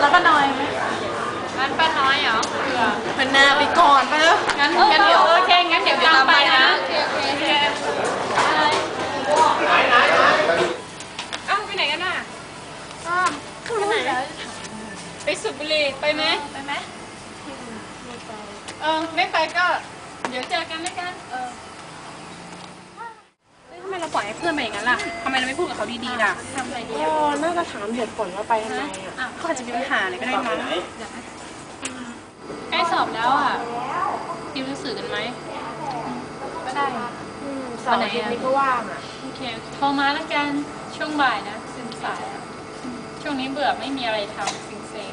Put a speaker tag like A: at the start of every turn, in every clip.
A: ป้าน้อยไหม
B: ร้านป้าน้อยเหรอ
A: มันนาไปก่อนไปแล้ว
B: งั้นเดี๋ยวโอเคงั้นเดี๋ยวตามไปนะโอเคอ้าวไปไหนกันน่ะไปไหนไปสุพรรณบุรีไปไหมไม่ไปก็เดี๋ยวเจอกันแล้วกันทำไมเราปล่อยให้เพื่อนไปอย่างนั้นล่ะทำไมเราไม่พูดกับเขาดีๆล่ะทำอะไรดี
A: ก็น่าจะถามเหตุผลว่าไปทำไมอ่ะ
B: เขาอาจจะมีปัญหาอะไรก็ได้มั้งใกล้สอบแล้วอ่ะติวหนังสือกันไหมก็ได้
A: เสาร์อาทิตย์นี้ก็ว่างอ่ะ
B: โอเคโทรมาแล้วกันช่วงบ่ายนะสิบสายช่วงนี้เบื่อไม่มีอะไรทำเซ็ง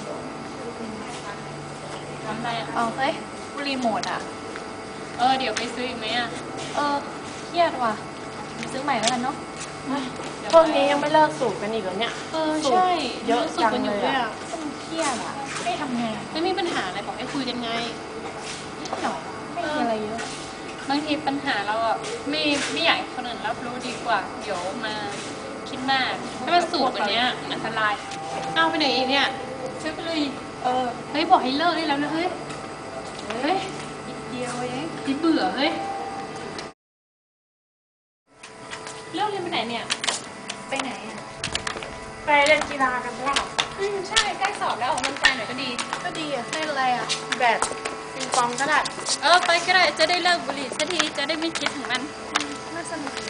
B: ๆทำอะไรอ่ะ
C: เฮ้ยรีโมทอ่ะ
B: เดี๋ยวไปซื้ออีกไหมอ่ะ
C: เครียดว่ะซื้อใหม่แล้วกันเนาะ
A: พวกนี้ยังไม่เลิกสูบกันอีกเหรอเนี่ย
B: ใช่
A: เยอะจังเลยอ่ะ
C: เครียดอ่ะไม่ทำไง
B: ไม่มีปัญหาอะไรบอกให้คุยกันไง
C: นิดหน่อยไม่มีอะไรเยอะ
B: บางทีปัญหาเราอ่ะไม่อยากให้คนอื่นรับรู้ดีกว่าเดี๋ยวมาคิดมากถ้ามันสูบแบบนี้อันตรายเอาไปไหนอีกเนี่ยซื้อไปเลยเฮ้ยบอกให้เลิกได้แล้วนะเฮ้ยนิดเดียวเองที่เบื่อเฮ้ยเลิกเรียนไปไหนเนี่ย
C: ไปไหนอ่ะ
A: ไปเล่นกีฬากันเปล่า
B: ใช่ใกล้สอบแล้วออกกำลังกายหน่อยก็ดี
A: อ่ะเล่นอะไรอ่ะแบดปิงปองก็ได้
B: ไปก็ได้จะได้เลิกบุหรี่สักทีจะได้ไม่คิดถึงมัน
C: น่าสนุก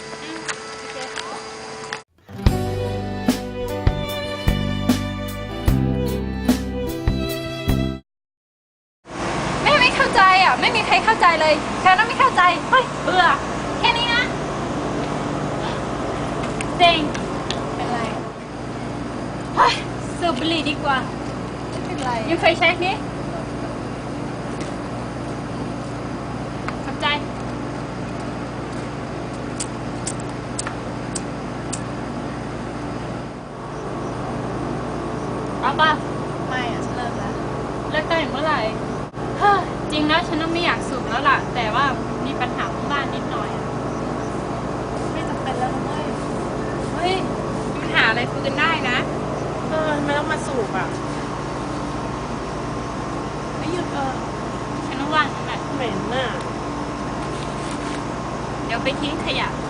C: ไม่เข้าใจอ่ะไม่มีใครเข้าใจเลยแค่นั้นไม่เข้าใจเฮ้ยเบื่อแค่นี้นะ
B: เซ็ง
C: เป็นไร
B: เฮ้ยสูบบุหรี่ดีกว่า
C: ไม่เป็นไร
B: ยังเคยเช็คนี้ขอบใจเอาป่ะ
C: ไม่อ่ะฉันเลิกแล้ว
B: เลิกได้เมื่อไหร่จริงแล้วฉันก็ไม่อยากสูบแล้วล่ะแต่ว่ามีปัญหาที่บ้านนิดหน่อย
C: ไม่จำเป็นแล้วนะ
B: เฮ้ยมีปัญหาอะไรคุยกันได้นะ
A: ไม่ต้องมาสูบอ่ะ
B: ไม่หยุดฉันว่างนั่นแหละ
A: เหม็นน่ะ
B: เดี๋ยวไปทิ้งขยะ